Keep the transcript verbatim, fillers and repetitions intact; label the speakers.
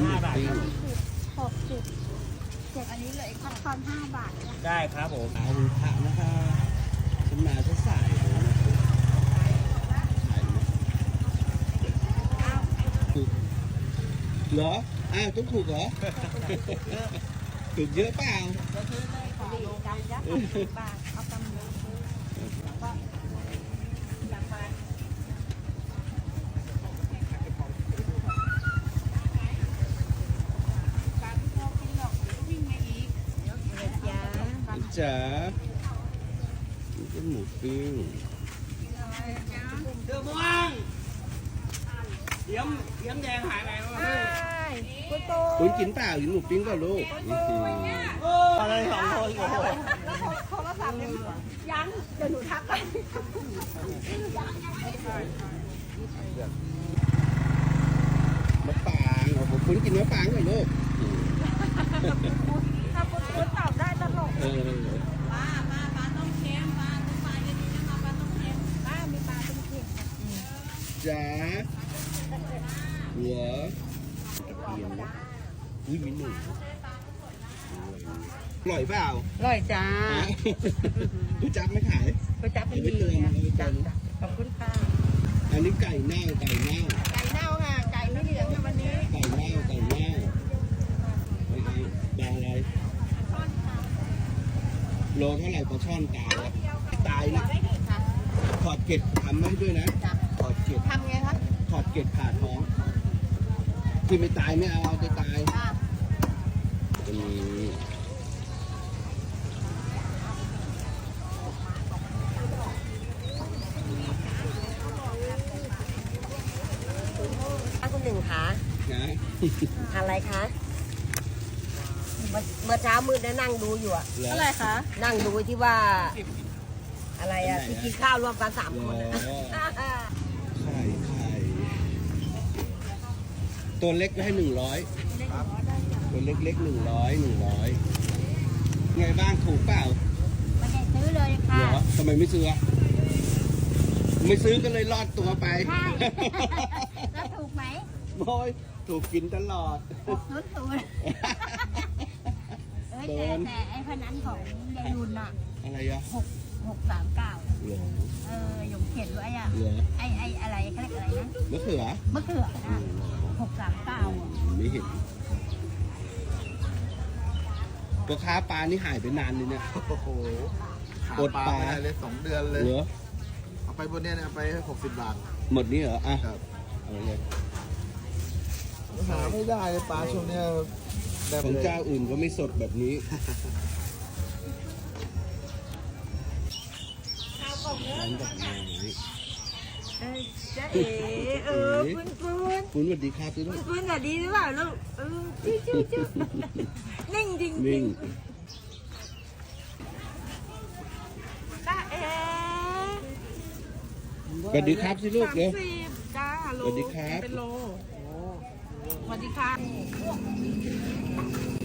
Speaker 1: หมูปิ้ง
Speaker 2: หกสิบเจ็ดอันนี้เลยทอดทอนห้าบาทนะ
Speaker 3: ได้ครับผม
Speaker 1: ขายหมูทะนะคะฉันมาฉันสายเลยนะขายไหมถูกเหรออ้าวต้องถูกเหรอ ถูกเยอะเปล่า
Speaker 2: ดีจำยักษ์หกสิบบาทเอาตำลึงแล้วก็ยำมาการที่พ่อกินหรอกวิ่งมาอีกเดี๋ยวจ้า
Speaker 1: จ๋านี่เป็นหมูปิ้ง
Speaker 3: เดือม่วงเดี๋ยวเดี๋ยวแดงหายไปวะ
Speaker 2: ใช่คุณโต
Speaker 1: คุณกินเปล่ากินหมูปิ้งเปล่าลูกนี่คือ
Speaker 3: อะไรสองคนโอ้โห
Speaker 2: โทรศัพท์ยังยังเดี๋ยวหนูทักไป
Speaker 1: มะปรางโอ้โหคุณกินมะปรางเหรอลูก
Speaker 2: ถ้าคุณคุณตอบได้ตลก
Speaker 1: เออ
Speaker 2: ป้าป้าปลาต้มเค็มปลาต้มปลาเย็นนี้นะคะปลาต้มเค็มป้ามีปลาต้มเค็ม
Speaker 1: จ๋าหัวกระเทียมนะอุ้ยมีหนูอร่อยเปล่า
Speaker 2: อร่อยจ้า
Speaker 1: รู้จักไหมขาย
Speaker 2: ไปจับเป็นดีนะจับขอบคุณค่ะ
Speaker 1: อันนี้ไก่เน่าไก่เน่า
Speaker 2: ไก่เน่าค่ะ ไก่ไม่เหลืองค่ะวันนี้
Speaker 1: ไก่เน่าไก่เน่าไม่เอาดาวอะไรโลเท่าไหร่ปลาช่อนตายอะตายนะถอดเกล็ดทำให้ด้วยนะถอดเกล็ด
Speaker 2: ทำไงคะ
Speaker 1: ถอดเกล็ดผ่าท้อง ที่ไม่ตายไม่เอาเอาแต่ตายอันนี้
Speaker 4: คุณหนึ่งคะ
Speaker 1: นะ
Speaker 4: อะไรคะเมื่อเมื่อเช้ามืดนะนั่งดูอยู่อะ
Speaker 1: เหรอ
Speaker 2: อะไรคะ
Speaker 4: นั่งดูที่ว่า อะไรอะ
Speaker 1: อันไหนอะ
Speaker 4: ที่กินข้าวรวมกันสามคนอะ
Speaker 1: อ๋อ ไข่ไข่ตัวเล็กให้หนึ่งร้อยตัวเล็กเล็กหนึ่งร้อยหนึ่งร้อยไงบ้างถูกเปล่า
Speaker 2: ไม่ได้ซื้อเลย
Speaker 1: เห
Speaker 2: ค่ะ
Speaker 1: รอทำไมไม่ซื้ออะไม่ซื้อก็เลยรอดตัวไป
Speaker 2: ใช่ แล้วถูกไหม
Speaker 1: โอ้ยถูกกินตลอด
Speaker 2: หกศูนย์ศูนย์เอ้ยแต่แต่ไอ้พนันของยายรุนอะ
Speaker 1: อะไรอะ
Speaker 2: หกหกสามเก้า
Speaker 1: เหลือ
Speaker 2: เออหยงเขียนไว้อะ
Speaker 1: เหลือ
Speaker 2: ไอ้ไอ้อะไรเขาเรียกอะไรนะ
Speaker 1: มะเขือ
Speaker 2: มะเขือนะหกสามเก้าอ่ะ
Speaker 1: ไม่เห็นตัวค้าปลานี่หายไปนานเลยเนี่ย
Speaker 5: โอ้โหหา
Speaker 1: อด
Speaker 5: ปลา
Speaker 1: ปลา
Speaker 5: ไม่ได้เลยสองเดือนเลย
Speaker 1: เหลือ
Speaker 5: เอาไปบนเนี้ยเนี่ยเอาไปหกสิบบาท
Speaker 1: หมดนี้เหรออ่ะ
Speaker 5: ครับ
Speaker 1: เอาเลย
Speaker 5: หาไม่ได้เลยปลาช่วงเนี้ยแบบ
Speaker 1: ของ
Speaker 5: เลย
Speaker 1: เจ้าอื่นก็ไม่สดแบบนี้ ร้านดอกไม้
Speaker 4: เอ้ยจ๊ะเอ๋เออปุ้นปุ้น
Speaker 1: คุณสวัสดีครับทุกท่าน
Speaker 4: ปุ้นอะดีหรือเปล่าลูกเออจิ้วจิ้วจิ้วนิ่งจริงจริ
Speaker 1: นิ่
Speaker 4: ง
Speaker 1: ง
Speaker 4: จ๊ะเอ๋
Speaker 1: สวัสดีครับสิลูกเร็ว
Speaker 4: สิบจ้าโล
Speaker 1: สวัสดีครับ
Speaker 4: เป็นโลสวัสดีค่ะ